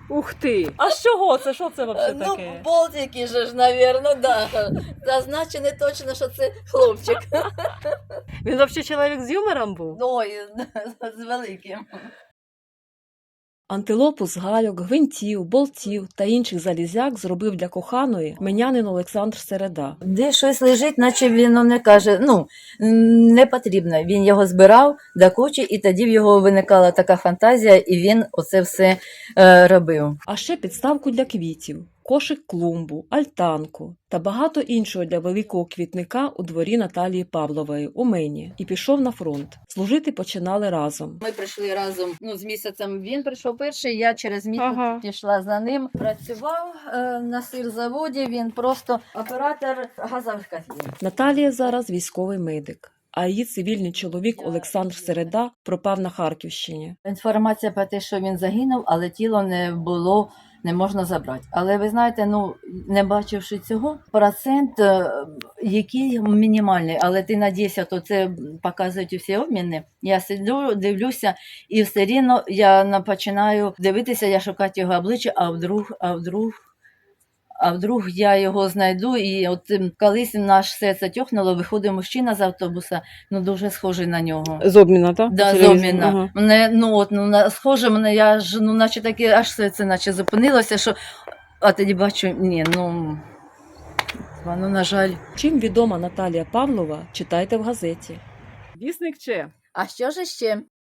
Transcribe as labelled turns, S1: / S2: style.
S1: Ух ти! А з чого це? Що це взагалі
S2: Ну,
S1: таке?
S2: болтики же ж, навірно, да. Зазначено точно, що це хлопчик.
S1: Він взагалі чоловік з юмором був?
S2: Ой, з великим.
S1: Антилопу з гальок, гвинтів, болтів та інших залізяк зробив для коханої менянин Олександр Середа.
S2: Де щось лежить, наче він не каже, не потрібно. Він його збирав до кучі, і тоді в його виникала така фантазія, і він оце все робив.
S1: А ще підставку для квітів, кошик клумбу, альтанку та багато іншого для великого квітника у дворі Наталії Павлової у Мені і пішов на фронт. Служити починали разом.
S2: Ми прийшли разом, з місяцем він прийшов перший, я через місяць
S1: Ага.
S2: пішла за ним. Працював на сирзаводі, він просто оператор газових котлів.
S1: Наталія зараз військовий медик, а її цивільний чоловік Олександр Середа пропав на Харківщині.
S2: Інформація про те, що він загинув, але тіло не можна забрати. Але ви знаєте, не бачивши цього, процент який мінімальний, але ти надійся, то це показують всі обміни. Я сиджу, дивлюся, і все рівно я починаю дивитися, я шукати його обличчя, а вдруг я його знайду, і от колись наш серце тьохнуло, виходить мужчина з автобуса, дуже схожий на нього.
S1: З обміна, так?
S2: Да, з обміна. Мене, схоже, я ж, наче таке, аж серце наче зупинилося, що, а тоді бачу, ні, на жаль.
S1: Чим відома Наталія Павлова, читайте в газеті. Вісник чи?
S2: А що ж ще?